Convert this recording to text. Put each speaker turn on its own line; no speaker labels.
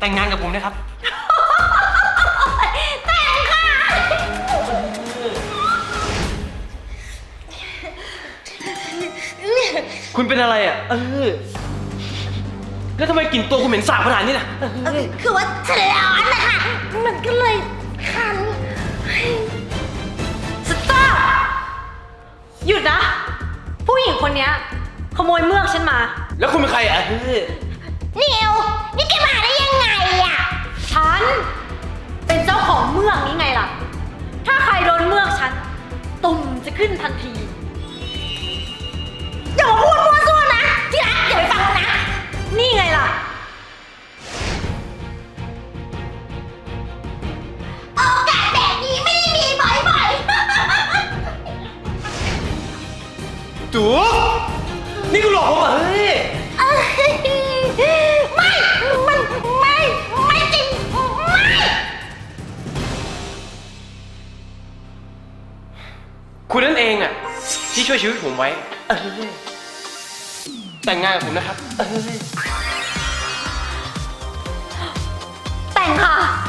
แต่งงานกับผมนะครับ
แต่งค่ะ
คุณเป็นอะไรอ่ะแล้วทำไมกลิ่นตัวคุณเหม็นสาบขนาดนี้น่ะ
คือว่าฉันร้อนนะคะมันก็เลยคัน
สต๊อปหยุดนะ ผู้หญิงคนนี้ขโมยเมือกฉันมา
แล้วคุณเป็นใครอ่ะ
นิวนี่แกมาได้ยังไงอ่ะ
ฉันเป็นเจ้าของเมือกนี้ไงล่ะ ถ้าใครโดนเมือกฉัน ตุ่มจะขึ้นทันที
อย่ามาพูดมั่วซั่วนะที่รักอย่าไปฟังมันนะ
นี่ไงล่ะ
โอกาสแบบนี้ไม่ได้มีบ่อยๆ
จูนี่คุณหลอกผมเหรอ
ไม่ไม่จริงไม่
คุณนั่นเองอ่ะที่ช่วยชีวิตผมไว้แต่งงานกับผมนะครับ
แต่งค่ะ